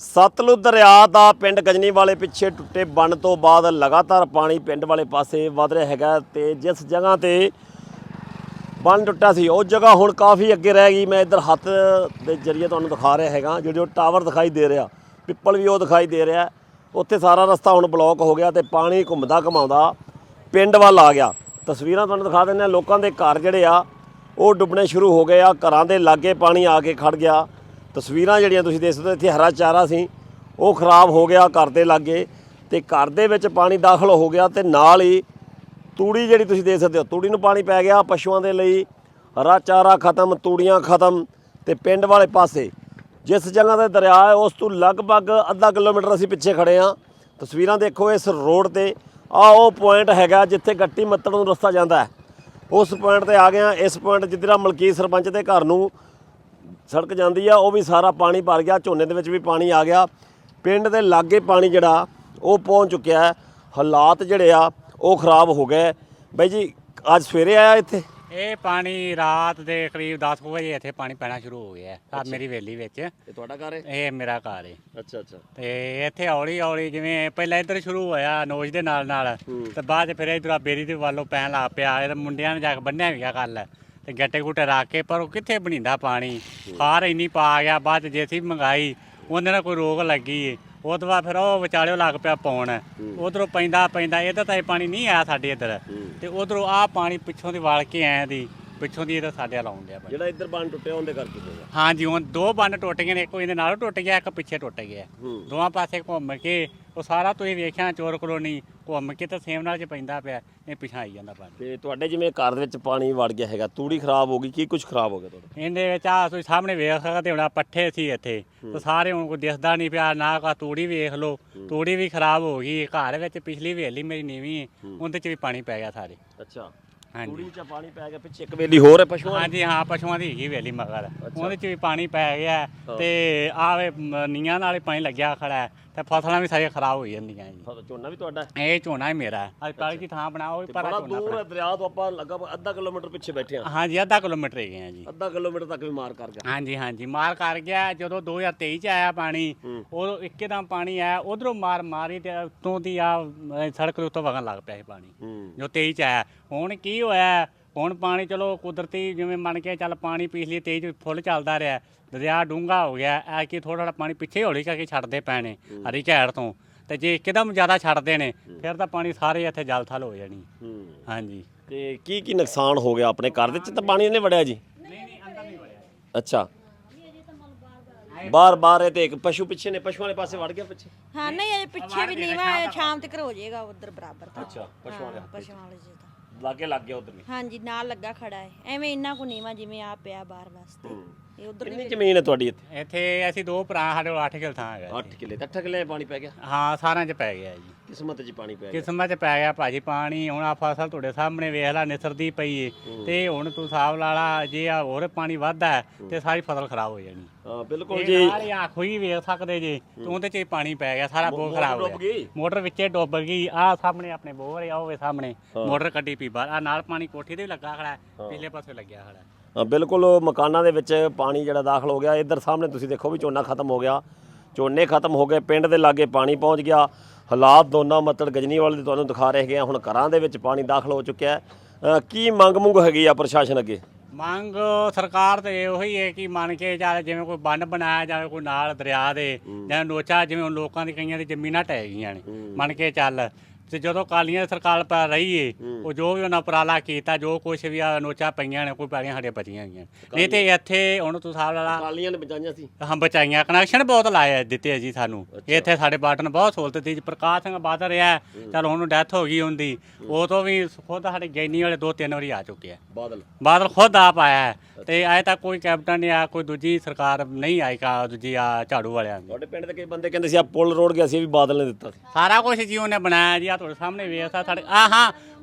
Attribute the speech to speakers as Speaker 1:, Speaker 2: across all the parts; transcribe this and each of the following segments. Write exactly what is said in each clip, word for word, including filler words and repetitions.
Speaker 1: ਸਤਲੁਜ ਦਰਿਆ ਦਾ ਪਿੰਡ ਗਜਨੀ ਵਾਲੇ ਪਿੱਛੇ ਟੁੱਟੇ ਬੰਨ ਤੋਂ ਬਾਅਦ ਲਗਾਤਾਰ ਪਾਣੀ ਪਿੰਡ ਵਾਲੇ ਪਾਸੇ ਵਧ ਰਿਹਾ ਹੈਗਾ ਤੇ ਜਿਸ ਜਗ੍ਹਾ ਤੇ ਬੰਨ ਟੁੱਟਾ ਸੀ ਉਹ ਜਗ੍ਹਾ ਹੁਣ ਕਾਫੀ ਅੱਗੇ ਰਹਿ ਗਈ। ਮੈਂ ਇੱਧਰ ਹੱਥ ਦੇ ਜ਼ਰੀਏ ਤੁਹਾਨੂੰ ਦਿਖਾ ਰਿਹਾ ਹੈਗਾ, ਜਿਹੜੇ ਉਹ ਟਾਵਰ ਦਿਖਾਈ ਦੇ ਰਿਹਾ, ਪਿੱਪਲ ਵੀ ਉਹ ਦਿਖਾਈ ਦੇ ਰਿਹਾ, ਉੱਥੇ ਸਾਰਾ ਰਸਤਾ ਹੁਣ ਬਲੌਕ ਹੋ ਗਿਆ ਤੇ ਪਾਣੀ ਘੁੰਮਦਾ ਘਮਾਉਂਦਾ ਪਿੰਡ ਵੱਲ ਆ ਗਿਆ। ਤਸਵੀਰਾਂ ਤੁਹਾਨੂੰ ਦਿਖਾ ਦਿੰਦੇ ਹਾਂ, ਲੋਕਾਂ ਦੇ ਘਰ ਜਿਹੜੇ ਆ ਉਹ ਡੁੱਬਣੇ ਸ਼ੁਰੂ ਹੋ ਗਏ ਆ, ਘਰਾਂ ਦੇ ਲਾਗੇ ਪਾਣੀ ਆ ਕੇ ਖੜ ਗਿਆ। ਤਸਵੀਰਾਂ ਜਿਹੜੀਆਂ ਤੁਸੀਂ ਦੇਖ ਸਕਦੇ ਹੋ, ਇੱਥੇ ਹਰਾ ਚਾਰਾ ਸੀ ਉਹ ਖਰਾਬ ਹੋ ਗਿਆ ਘਰ ਦੇ ਲਾਗੇ ਤੇ ਘਰ ਦੇ ਵਿੱਚ ਪਾਣੀ ਦਾਖਲ ਹੋ ਗਿਆ ਤੇ ਨਾਲ ਹੀ ਤੂੜੀ ਜਿਹੜੀ ਤੁਸੀਂ ਦੇਖ ਸਕਦੇ ਹੋ, ਤੂੜੀ ਨੂੰ ਪਾਣੀ ਪੈ ਗਿਆ। ਪਸ਼ੂਆਂ ਦੇ ਲਈ ਹਰਾ ਚਾਰਾ ਖਤਮ, ਤੂੜੀਆਂ ਖਤਮ ਤੇ ਪਿੰਡ ਵਾਲੇ ਪਾਸੇ ਜਿਸ ਜਗ੍ਹਾ ਤੇ ਦਰਿਆ ਹੈ ਉਸ ਤੋਂ ਲਗਭਗ ਅੱਧਾ ਕਿਲੋਮੀਟਰ ਅਸੀਂ ਪਿੱਛੇ ਖੜੇ ਹਾਂ। ਤਸਵੀਰਾਂ ਦੇਖੋ, ਇਸ ਰੋਡ ਤੇ ਆ ਉਹ ਪੁਆਇੰਟ ਹੈਗਾ ਜਿੱਥੇ ਗੱਟੀ ਮੱਤੜ ਨੂੰ ਰਸਤਾ ਜਾਂਦਾ ਹੈ, ਉਸ ਪੁਆਇੰਟ ਤੇ ਆ ਗਏ ਹਾਂ। ਇਸ ਪੁਆਇੰਟ ਜਿੱਧਰ ਮਲਕੀਤ ਸਰਪੰਚ ਦੇ ਘਰ ਨੂੰ ਸੜਕ ਜਾਂਦੀ ਆ ਉਹ ਵੀ ਸਾਰਾ ਪਾਣੀ ਭਰ ਗਿਆ, ਝੋਨੇ ਦੇ ਵਿੱਚ ਵੀ ਪਾਣੀ ਆ ਗਿਆ। ਪਿੰਡ ਦੇ ਲਾਗੇ ਪਾਣੀ ਜਿਹੜਾ ਉਹ ਪਹੁੰਚ ਚੁੱਕਿਆ ਹੈ, ਹਾਲਾਤ ਜਿਹੜੇ ਆ ਉਹ ਖਰਾਬ ਹੋ ਗਏ। ਬਾਈ ਜੀ ਅੱਜ ਸਵੇਰੇ ਆਇਆ ਇੱਥੇ?
Speaker 2: ਇਹ ਪਾਣੀ ਰਾਤ ਦੇ ਕਰੀਬ ਦਸ ਵਜੇ ਇੱਥੇ ਪਾਣੀ ਪੈਣਾ ਸ਼ੁਰੂ ਹੋ ਗਿਆ ਆ ਮੇਰੀ ਹਵੇਲੀ ਵਿੱਚ।
Speaker 1: ਇਹ ਤੁਹਾਡਾ ਘਰ ਹੈ?
Speaker 2: ਇਹ ਮੇਰਾ ਘਰ ਹੈ।
Speaker 1: ਅੱਛਾ ਅੱਛਾ।
Speaker 2: ਤੇ ਇੱਥੇ ਹੌਲੀ ਹੌਲੀ ਜਿਵੇਂ ਪਹਿਲਾਂ ਇੱਧਰ ਸ਼ੁਰੂ ਹੋਇਆ ਨੋਜ ਦੇ ਨਾਲ ਨਾਲ ਤੇ ਬਾਅਦ 'ਚ ਫਿਰ ਇੱਧਰ ਬੇਰੀ ਦੇ ਵੱਲੋਂ ਪੈਣ ਲੱਗ ਪਿਆ। ਇਹ ਮੁੰਡਿਆਂ ਨੇ ਜਾ ਕੇ ਬੰਨਿਆ ਵੀ ਗਿਆ ਕੱਲ ਤੇ ਗੱਟੇ ਗੁੱਟੇ ਰੱਖ ਕੇ, ਪਰ ਉਹ ਕਿੱਥੇ ਬਣੀਂਦਾ ਪਾਣੀ, ਖਾਰ ਇੰਨੀ ਪਾ ਗਿਆ। ਬਾਅਦ 'ਚ ਜੇ ਸੀ ਮੰਗਾਈ ਉਹਦੇ ਨਾਲ ਕੋਈ ਰੋਗ ਲੱਗੀ, ਉਹ ਤੋਂ ਬਾਅਦ ਫਿਰ ਉਹ ਵਿਚਾਲਿਓ ਲੱਗ ਪਿਆ ਪਾਉਣ। ਉਧਰੋਂ ਪੈਂਦਾ ਪੈਂਦਾ ਇੱਧਰ ਤਾਂ ਇਹ ਪਾਣੀ ਨਹੀਂ ਆਇਆ ਸਾਡੇ ਇੱਧਰ, ਤੇ ਉਧਰੋਂ ਆਹ ਪਾਣੀ ਪਿੱਛੋਂ ਦੀ ਵਲ ਕੇ ਆਇਆ ਦੀ ਪਿੱਛੋਂ ਦੀ ਇਹਦਾ ਸਾਡੇ ਵੱਲ ਆਉਣ ਡਿਆ।
Speaker 1: ਜਿਹੜਾ ਇੱਧਰ ਬੰਨ ਟੁੱਟਿਆ ਉਹਦੇ ਕਰਕੇ ਹੋਇਆ?
Speaker 2: ਹਾਂਜੀ, ਹੁਣ ਦੋ ਬੰਨ ਟੁੱਟ ਗਏ ਨੇ, ਇੱਕ ਇਹਦੇ ਨਾਲੋਂ ਟੁੱਟ ਗਿਆ, ਇੱਕ ਪਿੱਛੇ ਟੁੱਟ ਗਿਆ। ਦੋਵਾਂ ਪਾਸੇ ਘੁੰਮ ਕੇ ਉਹ ਸਾਰਾ ਤੁਸੀਂ ਵੇਖਿਆ ਚੋਰ ਕਲੋਨੀ ਘੁੰਮ ਕੇ ਤਾਂ ਸੇਮ ਨਾਲ 'ਚ ਪੈਂਦਾ ਪਿਆ, ਇਹ ਪਿਛਾਂ ਆਈ ਜਾਂਦਾ ਪਾਣੀ।
Speaker 1: ਤੇ ਤੁਹਾਡੇ ਜਿਵੇਂ ਘਰ ਦੇ ਵਿੱਚ ਪਾਣੀ ਵੜ ਗਿਆ ਹੈਗਾ, ਤੂੜੀ ਖਰਾਬ ਹੋ ਗਈ, ਕੀ ਕੁਝ ਖਰਾਬ ਹੋ ਗਿਆ ਤੁਹਾਡਾ?
Speaker 2: ਇਹਦੇ ਵਿੱਚ ਆ ਤੁਸੀਂ ਸਾਹਮਣੇ ਵੇਖ ਸਕਦੇ ਹੋ, ਪੱਠੇ ਸੀ ਇੱਥੇ ਤੇ ਸਾਰੇ ਹੁਣ ਕੋਈ ਦਿਸਦਾ ਨਹੀਂ ਪਿਆ ਨਾ। ਕਾ ਤੂੜੀ ਵੇਖ ਲਓ, ਤੂੜੀ ਵੀ ਖਰਾਬ ਹੋ ਗਈ। ਘਰ ਵਿੱਚ ਪਿਛਲੀ ਵੇਲੀ ਮੇਰੀ ਨੀਵੀਂ, ਉਹਦੇ 'ਚ ਵੀ ਪਾਣੀ ਪੈ ਗਿਆ ਸਾਰੇ।
Speaker 1: ਅੱਛਾ,
Speaker 2: ਹਾਂਜੀ,
Speaker 1: ਤੂੜੀ 'ਚ ਪਾਣੀ ਪੈ ਗਿਆ। ਪਿੱਛੇ ਇੱਕ ਵੇਲੀ ਹੋਰ ਹੈ ਪਸ਼ੂਆਂ?
Speaker 2: ਹਾਂਜੀ ਹਾਂ, ਪਸ਼ੂਆਂ ਦੀ ਹੈਗੀ ਵੇਲੀ ਮਗਰ, ਉਹਦੇ 'ਚ ਵੀ ਪਾਣੀ ਪੈ ਗਿਆ ਤੇ ਆਵੇ ਨੀਆਂ ਨਾਲ ਹੀ ਪਾਣੀ ਲੱਗਿਆ ਖੜਾ ਤੇ ਫਸਲਾਂ ਵੀ ਸਾਰੀਆਂ ਖਰਾਬ ਹੋ ਜਾਂਦੀਆਂ ਜੀ।
Speaker 1: ਝੋਨਾ ਵੀ ਤੁਹਾਡਾ?
Speaker 2: ਇਹ ਝੋਨਾ ਹੀ ਮੇਰਾ, ਅੱਜ ਪਹਿਲੀ ਦੀ ਥਾਂ ਬਣਾਓ ਵੀ ਪਰ ਝੋਨਾ
Speaker 1: ਦੂਰ ਦਰਿਆ ਤੋਂ ਆਪਾਂ ਲਗਭਗ ਅੱਧਾ ਕਿਲੋਮੀਟਰ ਪਿੱਛੇ ਬੈਠੇ ਹਾਂ।
Speaker 2: ਹਾਂਜੀ, ਅੱਧਾ ਕਿਲੋਮੀਟਰ ਹੀ ਗਏ ਆ ਜੀ।
Speaker 1: ਅੱਧਾ ਕਿਲੋਮੀਟਰ ਤੱਕ ਵੀ ਮਾਰ ਕਰ ਗਿਆ?
Speaker 2: ਹਾਂਜੀ ਹਾਂਜੀ, ਮਾਰ ਕਰ ਗਿਆ। ਜਦੋਂ ਦੋ ਹਜ਼ਾਰ ਤੇਈ 'ਚ ਆਇਆ ਪਾਣੀ, ਉਦੋਂ ਇੱਕਦਮ ਪਾਣੀ ਆਇਆ ਉਧਰੋਂ ਮਾਰ ਮਾਰੀ ਤੇ ਉੱਤੋਂ ਦੀ ਆ ਸੜਕ ਦੇ ਉੱਤੋਂ ਵਗਣ ਲੱਗ ਪਿਆ ਸੀ ਪਾਣੀ ਜੋ ਤੇਈ 'ਚ ਆਇਆ। ਹੁਣ ਕੀ ਹੋਇਆ, ਹੁਣ ਪਾਣੀ ਚਲੋ ਕੁਦਰਤੀ ਜਿਵੇਂ ਮੰਨ ਕੇ ਚੱਲ ਪਾਣੀ ਪਿਛਲੀ ਤੇਈ 'ਚ ਫੁੱਲ ਚੱਲਦਾ ਰਿਹਾ, ਦਰਿਆ ਡੂੰਘਾ ਹੋ ਗਿਆ। ਐ ਕਿ ਥੋੜ੍ਹਾ ਥੋੜ੍ਹਾ ਪਾਣੀ ਪਿੱਛੇ ਹੌਲੀ ਕਰਕੇ ਛੱਡਦੇ ਪੈਣੇ ਹਰੀ ਝੈੜ ਤੋਂ, ਤੇ ਜੇ ਇੱਕਦਮ ਜ਼ਿਆਦਾ ਛੱਡਦੇ ਨੇ ਫਿਰ ਤਾਂ ਪਾਣੀ ਸਾਰੇ ਇੱਥੇ ਜਲ ਥਲ ਹੋ ਜਾਣੀ। ਹਾਂਜੀ,
Speaker 1: ਤੇ ਕੀ ਕੀ ਨੁਕਸਾਨ ਹੋ ਗਿਆ ਆਪਣੇ ਘਰ ਦੇ ਵਿੱਚ? ਤਾਂ ਪਾਣੀ ਨਹੀਂ ਵੜਿਆ ਜੀ?
Speaker 2: ਨਹੀਂ ਨਹੀਂ, ਅੰਦਰ ਨਹੀਂ ਵੜਿਆ।
Speaker 1: ਅੱਛਾ, ਬਾਰ ਬਾਰ ਇਹ ਤੇ ਇੱਕ ਪਸ਼ੂ ਪਿੱਛੇ ਨੇ, ਪਸ਼ੂਆਂ ਵਾਲੇ ਪਾਸੇ ਵੜ ਗਿਆ ਪਿੱਛੇ?
Speaker 3: ਹਾਂ, ਨਹੀਂ ਇਹ ਪਿੱਛੇ ਵੀ ਨੀਵਾ, ਸ਼ਾਮ ਤੱਕ ਹੋ ਜਾਏਗਾ ਉਧਰ ਬਰਾਬਰ ਤਾਂ।
Speaker 1: ਅੱਛਾ, ਪਸ਼ੂਆਂ ਵਾਲੇ
Speaker 3: ਪਸ਼ੂਆਂ ਵਾਲੇ ਜੀ ਤਾਂ
Speaker 1: ਲਾਗੇ ਲੱਗ ਗਿਆ ਉਧਰ ਵੀ?
Speaker 3: ਹਾਂਜੀ, ਨਾਲ ਲੱਗਾ ਖੜਾ ਹੈ ਐਵੇਂ ਇੰਨਾ ਕੋ ਨੀਵਾ ਜਿਵੇਂ ਆ ਪਿਆ ਬਾਹਰ ਵਾਸਤੇ। ਇਹ ਉਧਰ
Speaker 1: ਕਿੰਨੀ ਜ਼ਮੀਨ ਹੈ ਤੁਹਾਡੀ ਇੱਥੇ?
Speaker 2: ਇੱਥੇ ਅਸੀਂ ਦੋ ਭਰਾ, ਸਾਡੇ ਕੋਲ ਅੱਠ ਕਿੱਲੇ ਥਾਂ ਹੈਗਾ।
Speaker 1: ਅੱਠ ਕਿੱਲੇ? ਅੱਠ ਕਿੱਲੇ ਪਾਣੀ ਪੈ ਗਿਆ?
Speaker 2: ਹਾਂ, ਸਾਰਿਆਂ 'ਚ ਪੈ ਗਿਆ ਜੀ।
Speaker 1: ਕਿਸਮਤ 'ਚ ਪਾਣੀ ਪੈ ਗਿਆ?
Speaker 2: ਕਿਸਮਤ 'ਚ ਪੈ ਗਿਆ ਭਾਜੀ ਪਾਣੀ। ਹੁਣ ਆ ਫਸਲ ਤੁਹਾਡੇ ਸਾਹਮਣੇ ਵੇਖ ਲੈ ਨਿਸਰਦੀ ਪਈ ਏ, ਤੇ ਹੁਣ ਤੂੰ ਹਿਸਾਬ ਲਾ ਲਾ ਜੇ ਆ ਹੋਰ ਪਾਣੀ ਵੱਧਦਾ ਤੇ ਸਾਰੀ ਫਸਲ ਖਰਾਬ ਹੋ ਜਾਣੀ।
Speaker 1: ਹਾਂ ਬਿਲਕੁਲ ਜੀ,
Speaker 2: ਸਾਰੀ ਆਖੋ ਹੀ ਵੇਖ ਸਕਦੇ ਜੇ ਤੂੰ, ਉਹਦੇ 'ਚ ਪਾਣੀ ਪੈ ਗਿਆ, ਸਾਰਾ ਬੋਰ ਖਰਾਬ ਹੋ ਗਿਆ। ਮੋਟਰ ਵਿੱਚੇ ਡੁੱਬ ਗਈ। ਆ ਸਾਹਮਣੇ ਆਪਣੇ ਬੋਰ ਆ, ਉਹ ਵੇ ਸਾਹਮਣੇ ਮੋਟਰ ਕੱਢੀ ਪਈ ਬਾਹਰ। ਆ ਨਾਲ ਪਾਣੀ ਕੋਠੀ ਤੇ ਵੀ ਲੱਗਾ ਖੜਾ, ਪਿਛਲੇ ਪਾਸੇ ਲੱਗਿਆ ਖੜਾ।
Speaker 1: ਹਾਂ ਬਿਲਕੁਲ, ਮਕਾਨਾਂ ਦੇ ਵਿੱਚ ਪਾਣੀ ਜਿਹੜਾ ਦਾਖਲ ਹੋ ਗਿਆ। ਇੱਧਰ ਸਾਹਮਣੇ ਤੁਸੀਂ ਦੇਖੋ ਵੀ ਝੋਨਾ ਖਤਮ ਹੋ ਗਿਆ, ਝੋਨੇ ਖਤਮ ਹੋ ਗਏ, ਪਿੰਡ ਦੇ ਲਾਗੇ ਪਾਣੀ ਪਹੁੰਚ ਗਿਆ। ਹਾਲਾਤ ਦੋਨਾਂ ਮਤਲਬ ਗਜਨੀ ਵਾਲੇ ਦੇ ਤੁਹਾਨੂੰ ਦਿਖਾ ਰਹੇ ਹੈਗੇ ਆ। ਹੁਣ ਘਰਾਂ ਦੇ ਵਿੱਚ ਪਾਣੀ ਦਾਖਲ ਹੋ ਚੁੱਕਿਆ ਹੈ। ਕੀ ਮੰਗ ਮੁੰਗ ਹੈਗੀ ਆ ਪ੍ਰਸ਼ਾਸਨ ਅੱਗੇ?
Speaker 2: ਮੰਗ ਸਰਕਾਰ ਤੇ ਉਹੀ ਹੈ ਕਿ ਮੰਨ ਕੇ ਚੱਲ ਜਿਵੇਂ ਕੋਈ ਬੰਨ ਬਣਾਇਆ ਜਾਵੇ ਕੋਈ ਨਾਲ ਦਰਿਆ ਦੇ, ਜਾਂ ਨੋਚਾ, ਜਿਵੇਂ ਹੁਣ ਲੋਕਾਂ ਦੀ ਕਈਆਂ ਦੀ ਜ਼ਮੀਨਾਂ ਢਹਿ ਗਈਆਂ ਨੇ, ਮੰਨ ਕੇ ਚੱਲ। ਤੇ ਜਦੋਂ ਕਾਲੀਆਂ ਦੀ ਸਰਕਾਰ ਪੈ ਰਹੀ ਏ, ਉਹ ਜੋ ਵੀ ਉਹਨਾਂ ਉਪਰਾਲਾ ਕੀਤਾ, ਜੋ ਕੁਛ ਵੀ ਆ ਨੋਚਾ ਪਈਆਂ ਨੇ, ਕੋਈ ਪੈਲੀਆਂ ਸਾਡੇ ਬਚੀਆਂ ਗਈਆਂ। ਨਹੀਂ ਤੇ ਇੱਥੇ ਹੁਣ ਤੂੰ ਹਿਸਾਬ ਲਾ ਲਾ,
Speaker 1: ਕਾਲੀਆਂ ਨੇ ਬਚਾਈਆਂ ਸੀ?
Speaker 2: ਹਾਂ ਬਚਾਈਆਂ, ਕਨੈਕਸ਼ਨ ਬਹੁਤ ਲਾਏ ਦਿੱਤੇ ਆ ਜੀ ਸਾਨੂੰ ਇੱਥੇ। ਸਾਡੇ ਬਾਟਨ ਨੇ ਬਹੁਤ ਸਹੂਲਤ ਦਿੱਤੀ। ਪ੍ਰਕਾਸ਼ ਸਿੰਘ ਬਾਦਲ ਰਿਹਾ, ਚੱਲ ਉਹਨੂੰ ਡੈਥ ਹੋ ਗਈ ਹੁੰਦੀ, ਉਹ ਤੋਂ ਵੀ ਖੁਦ ਸਾਡੇ ਗੈਨੀ ਵਾਲੇ ਦੋ ਤਿੰਨ ਵਾਰੀ ਆ ਚੁੱਕੇ ਆ। ਬਾਦਲ ਬਾਦਲ ਖੁਦ ਆਪ ਆਇਆ ਤੇ ਅਜੇ ਤੱਕ ਕੋਈ ਕੈਪਟਨ ਨਹੀਂ ਆਇਆ, ਕੋਈ ਦੂਜੀ ਸਰਕਾਰ ਨਹੀਂ ਆਈ ਕਾ ਦੂਜੀ ਆ ਝਾੜੂ ਵਾਲਿਆਂ ਦੀ।
Speaker 1: ਤੁਹਾਡੇ ਪਿੰਡ ਦੇ ਕਈ ਬੰਦੇ ਕਹਿੰਦੇ ਸੀ ਆ ਪੁਲ ਰੋਡ ਗਿਆ ਸੀ ਵੀ ਬਾਦਲ ਨੇ ਦਿੱਤਾ ਸੀ।
Speaker 2: ਸਾਰਾ ਕੁਝ ਜੀ ਉਹਨੇ ਬਣਾਇਆ ਜੀ। ਆ ਤੁਹਾਡੇ ਸਾਹਮਣੇ ਵੇਖ ਸਾਡੇ ਆ ਹਾਂ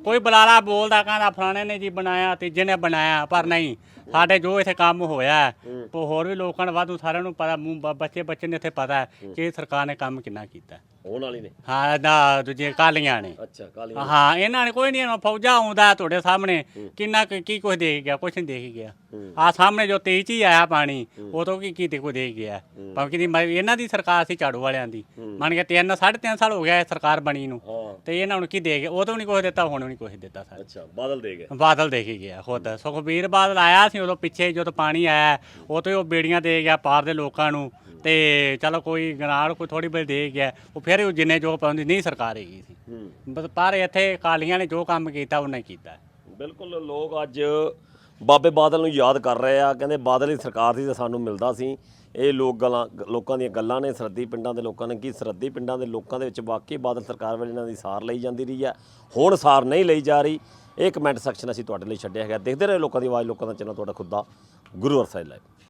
Speaker 2: ਕੋਈ ਬਲਾਲਾ ਬੋਲਦਾ ਕਹਿੰਦਾ ਫਲਾਣੇ ਨੇ ਜੀ ਬਣਾਇਆ ਤੀਜੇ ਨੇ ਬਣਾਇਆ, ਪਰ ਨਹੀਂ ਸਾਡੇ ਜੋ ਇੱਥੇ ਕੰਮ ਹੋਇਆ ਹੈ, ਉਹ ਹੋਰ ਵੀ ਲੋਕਾਂ ਨੂੰ ਵਾਧੂ ਸਾਰਿਆਂ ਨੂੰ ਪਤਾ, ਮੂੰਹ ਬ- ਬੱਚੇ ਬੱਚੇ ਨੇ ਇੱਥੇ ਪਤਾ ਹੈ ਕਿ ਇਹ ਸਰਕਾਰ ਨੇ ਕੰਮ ਕਿੰਨਾ ਕੀਤਾ।
Speaker 1: ਹੋਣ ਵਾਲੀ ਨੇ
Speaker 2: ਹਾਂ ਨਾ ਦੂਜੇ ਕਾਲੀਆਂ ਨੇ,
Speaker 1: ਅੱਛਾ ਕਾਲੀ
Speaker 2: ਹਾਂ ਇਹਨਾਂ ਨੇ ਕੋਈ ਨਹੀਂ, ਇਹਨਾਂ ਫੌਜਾ ਆਉਂਦਾ ਤੁਹਾਡੇ ਸਾਹਮਣੇ ਕਿੰਨਾ ਕੁ- ਕੀ ਕੁਝ ਦੇ ਕੇ ਗਿਆ, ਕੁਛ ਨਹੀਂ ਦੇ ਕੇ ਗਿਆ। ਆ ਸਾਹਮਣੇ ਜੋ ਤੇਈ ਚ ਹੀ ਆਇਆ ਪਾਣੀ, ਉਹ ਤੋਂ ਕੀ ਕੀ ਤੇ ਕੋਈ ਦੇ ਕੇ ਗਿਆ, ਭਾਵੇਂ ਕਿ ਇਹਨਾਂ ਦੀ ਸਰਕਾਰ ਸੀ ਝਾੜੂ ਵਾਲਿਆਂ ਦੀ, ਮੰਨ ਕੇ ਤਿੰਨ ਸਾਢੇ ਤਿੰਨ ਸਾਲ ਹੋ ਗਿਆ ਇਹ ਸਰਕਾਰ ਬਣੀ ਨੂੰ,
Speaker 1: ਹਾਂ
Speaker 2: ਤੇ ਇਹਨਾਂ ਨੂੰ ਕੀ ਦੇ ਗਏ, ਉਹ ਤੋਂ ਨਹੀਂ ਕੁਝ ਦਿੱਤਾ, ਹੁਣ ਵੀ ਨਹੀਂ ਕੁਝ ਦਿੱਤਾ ਸਰ।
Speaker 1: ਅੱਛਾ ਬਾਦਲ ਦੇ ਗਏ।
Speaker 2: ਬਾਦਲ ਦੇ ਕੇ ਗਿਆ ਖੁਦ, ਸੁਖਬੀਰ ਬਾਦਲ ਆਇਆ ਸੀ ਉਦੋਂ ਪਿੱਛੇ ਜਦੋਂ ਪਾਣੀ ਆਇਆ, ਉਹ ਤੋਂ ਉਹ ਬੇੜੀਆਂ ਦੇ ਗਿਆ ਪਾਰ ਦੇ ਲੋਕਾਂ ਨੂੰ, ਤੇ ਚਲੋ ਕੋਈ ਗਨਾੜ ਕੋਈ ਥੋੜੀ ਬਹੁ ਦੇ ਗਿਆ, ਉਹ ਫਿਰ ਉਹ ਜਿੰਨੇ ਜੋ ਪਾਉਂਦੀ ਨਹੀਂ ਸਰਕਾਰ ਹੈਗੀ ਸੀ, ਬਸ ਪਰ ਇੱਥੇ ਅਕਾਲੀਆਂ ਨੇ ਜੋ ਕੰਮ ਕੀਤਾ ਉਹਨੇ ਕੀਤਾ।
Speaker 1: ਬਿਲਕੁਲ ਲੋਕ ਅੱਜ ਬਾਬੇ ਬਾਦਲ ਨੂੰ ਯਾਦ ਕਰ ਰਹੇ ਆ, ਕਹਿੰਦੇ ਬਾਦਲ ਦੀ ਸਰਕਾਰ ਸੀ ਤੇ ਸਾਨੂੰ ਮਿਲਦਾ ਸੀ। ਇਹ ਲੋਕ ਗੱਲਾਂ ਲੋਕਾਂ ਦੀਆਂ ਗੱਲਾਂ ਨੇ, ਸਰਹੱਦੀ ਪਿੰਡਾਂ ਦੇ ਲੋਕਾਂ ਨੇ, ਕੀ ਸਰਹੱਦੀ ਪਿੰਡਾਂ ਦੇ ਲੋਕਾਂ ਦੇ ਵਿੱਚ ਵਾਕਈ ਬਾਦਲ ਸਰਕਾਰ ਵੇਲੇ ਇਹਨਾਂ ਦੀ ਸਾਰ ਲਈ ਜਾਂਦੀ ਰਹੀ ਹੈ, ਹੁਣ ਸਾਰ ਨਹੀਂ ਲਈ ਜਾ ਰਹੀ। ਇਹ ਕਮੈਂਟ ਸੈਕਸ਼ਨ ਅਸੀਂ ਤੁਹਾਡੇ ਲਈ ਛੱਡਿਆ ਹੈਗਾ। ਦੇਖਦੇ ਰਹੇ ਲੋਕਾਂ ਦੀ ਆਵਾਜ਼, ਲੋਕਾਂ ਦਾ ਚੈਨਲ ਤੁਹਾਡਾ ਖੁਦ ਦਾ ਗੁਰੂ ਅਰਸਾਈ ਲਾਈਵ।